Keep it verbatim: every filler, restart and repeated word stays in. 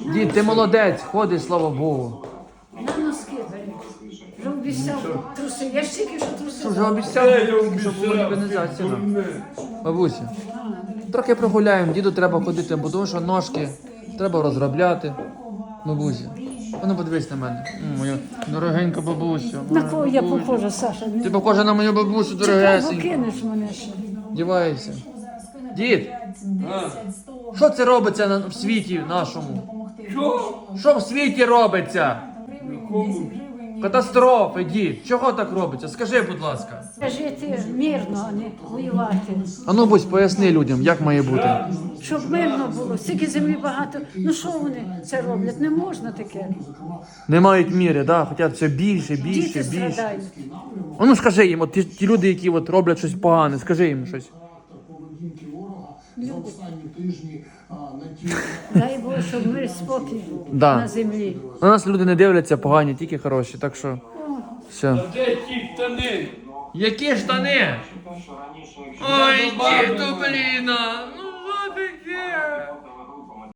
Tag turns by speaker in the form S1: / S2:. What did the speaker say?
S1: Дід, ти молодець, ходиш, слава Богу.
S2: На носки бери. Вже обіцяв труси. Я ж тільки що труси.
S1: Що вже обіцяв, щоб було організація. Бабуся, трохи прогуляємо, діду треба ходити, бо тому що ножки треба розробляти. Бабуся, а ну подивись на мене. М, Моя дорогенька бабуся.
S2: На
S1: моя
S2: кого я
S1: бабуся.
S2: похожа, Саша?
S1: Ти похожа на мою бабусю,
S2: Чекай, бо
S1: дорогесенька.
S2: кинеш мене ще.
S1: Дівайся. Дід, що це робиться на- в світі нашому?
S3: Що?
S1: Що в світі робиться?
S3: Кому?
S1: Катастрофи, дід. Чого так робиться? Скажи, будь ласка.
S2: Жити мирно, а не воювати.
S1: А ну, будь, поясни людям, як має бути.
S2: Щоб мирно було, стільки землі багато. Ну що вони це роблять? Не можна таке.
S1: Не мають міри, да? Хочуть все більше, більше,
S2: Діти
S1: більше.
S2: страдають.
S1: А ну скажи їм, от ті, ті люди, які от роблять щось погане, скажи їм щось.
S4: поведінки ворога за останні тижні а, на ті
S2: Дай Боже, щоб мир і спокій був
S1: Да.
S2: на землі.
S1: На нас люди не дивляться погані, тільки хороші, так що все.
S3: А де ті штани?
S1: Які штани? Ой, діду, блін, ну